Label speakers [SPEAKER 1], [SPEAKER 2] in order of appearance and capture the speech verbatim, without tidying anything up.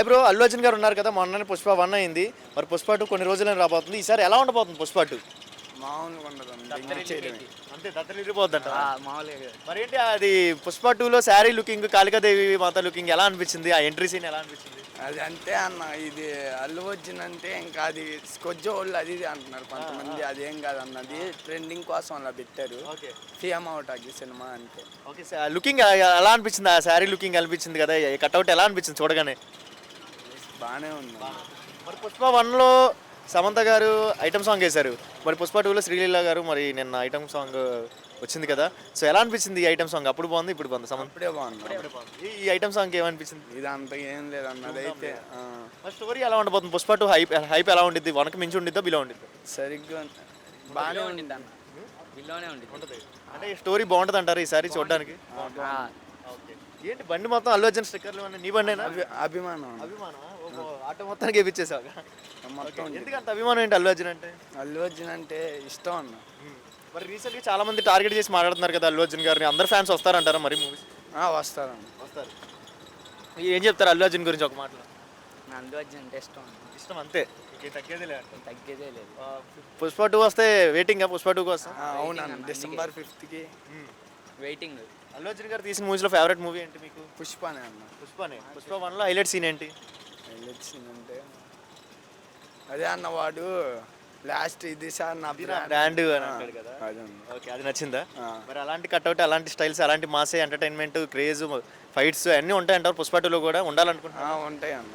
[SPEAKER 1] Hi bro, Allu Arjun గారు ఉన్నారు కదా, మొన్ననే పుష్ప వన్ అయింది. మరి పుష్ప టూ కొన్ని రోజులైనా రాబోతుంది. ఈసారి ఎలా ఉండబోతుంది పుష్ప టూ?
[SPEAKER 2] మామూలుగా ఉండదు.
[SPEAKER 1] అంతే దత్తరిల్లిపోద్దంట.
[SPEAKER 2] మామూలుగా
[SPEAKER 1] మరి ఏంటి అది పుష్ప టూలో శారీ లుకింగ్, కాళికాదేవి మాత లుకింగ్ ఎలా అనిపించింది? ఆ ఎంట్రీ సీన్ ఎలా అనిపించింది?
[SPEAKER 2] అది అంతే అన్న. ఇది అల్లు వచ్చిందంటే ఇంకా అది కొజ్జ వాళ్ళు అది ఇది అంటున్నారు కొంతమంది. అదేం కాదు అన్నది ట్రెండింగ్ కోసం అలా పెట్టారు.
[SPEAKER 1] ఓకే
[SPEAKER 2] ఫేమ్ అవుట్ సినిమా అంతే.
[SPEAKER 1] ఓకే లుకింగ్ ఎలా అనిపించింది? ఆ శారీ లుకింగ్ అనిపించింది కదా, కట్అవుట్ ఎలా అనిపించింది చూడగానే?
[SPEAKER 2] బాగానే ఉంది.
[SPEAKER 1] మరి పుష్ప వన్లో సమంత గారు ఐటమ్ సాంగ్ వేశారు. మరి పుష్ప టూలో శ్రీలీల గారు మరి నిన్న ఐటమ్ సాంగ్ వచ్చింది కదా, సో ఎలా అనిపించింది ఈ ఐటమ్ సాంగ్? అప్పుడు బాగుంది, ఇప్పుడు బాగుంది. సమంత
[SPEAKER 2] అప్పుడే బాగుంది.
[SPEAKER 1] ఈ- ఈ ఐటమ్ సాంగ్ ఏమనిపించింది?
[SPEAKER 2] ఇది అంత ఏం లేదు అన్నది అయితే ఆ,
[SPEAKER 1] మరి స్టోరీ ఎలా ఉండబోతుంది? పుష్ప టూ హైప్ హైప్ ఎలా ఉండిద్ది? వనకి మించి ఉండిద్దా, బిలో ఉండిద్దా?
[SPEAKER 2] సరిగ్గా బాగానే ఉండింది అన్న.
[SPEAKER 3] బిల్లోనే ఉంటుంది.
[SPEAKER 1] అంటే ఈ స్టోరీ బాగుంటుంది అంటారు ఈసారి చూడడానికి? ఓకే. ఏంటి బండి మొత్తం అల్లు అర్జున్ స్టిక్కర్లు అన్నీ నీ బండేనా?
[SPEAKER 2] అభి అభిమానం అన్న.
[SPEAKER 1] అభిమానం ఆటో మొత్తానికి వేపించేసావు.
[SPEAKER 2] మొత్తం
[SPEAKER 1] ఎందుకంత అభిమానం ఏంటి అల్లు అర్జున్ అంటే?
[SPEAKER 2] అల్లు అర్జున్ అంటే ఇష్టం అన్న.
[SPEAKER 1] మరి రీసెంట్గా చాలా మంది టార్గెట్ చేసి మాట్లాడుతున్నారు కదా అల్లు అర్జున్ గారిని. అందరు ఫ్యాన్స్ వస్తారంటారా మరి మూవీస్?
[SPEAKER 2] ఆ, వస్తారన్న.
[SPEAKER 1] వస్తారు. ఏం చెప్తారు అల్లు అర్జున్ గురించి ఒక మాటలో?
[SPEAKER 3] నందు అర్జున్ అంటే ఇష్టం.
[SPEAKER 1] ఇష్టం అంతే, ఇంకేం తగ్గేది లేదు.
[SPEAKER 3] తగ్గేదే లేదు.
[SPEAKER 1] పుష్ప టూ వస్తే వెయిటింగ్ పుష్ప టూ కోసం.
[SPEAKER 2] ఆ, అవునన్న. డిసెంబర్ ఫిఫ్త్కి
[SPEAKER 3] వెయిటింగ్.
[SPEAKER 1] అల్లు అర్జున్ గారు తీసిన మూవీస్లో ఫేవరెట్ మూవీ ఏంటి మీకు?
[SPEAKER 2] పుష్పనే అన్న.
[SPEAKER 1] పుష్పనే. పుష్ప వన్లో హైలైట్ సీన్ ఏంటి?
[SPEAKER 2] వెళ్ళొచ్చిందంటే అదే అన్న, వాడు లాస్ట్ ఇది సార్ నా
[SPEAKER 1] బ్రాండ్ అని అంటాడు కదా.
[SPEAKER 2] అదన్న.
[SPEAKER 1] ఓకే, అది నచ్చిందా?
[SPEAKER 2] ఆ.
[SPEAKER 1] మరి అలాంటి కట్అవుట్, అలాంటి స్టైల్స్, అలాంటి మాసే ఎంటర్టైన్మెంట్, క్రేజ్, ఫైట్స్ అన్నీ ఉంటాయంటారు పుష్ప టూలో కూడా ఉండాలనుకుంటున్నా.
[SPEAKER 2] ఆ, ఉంటాయి అన్న.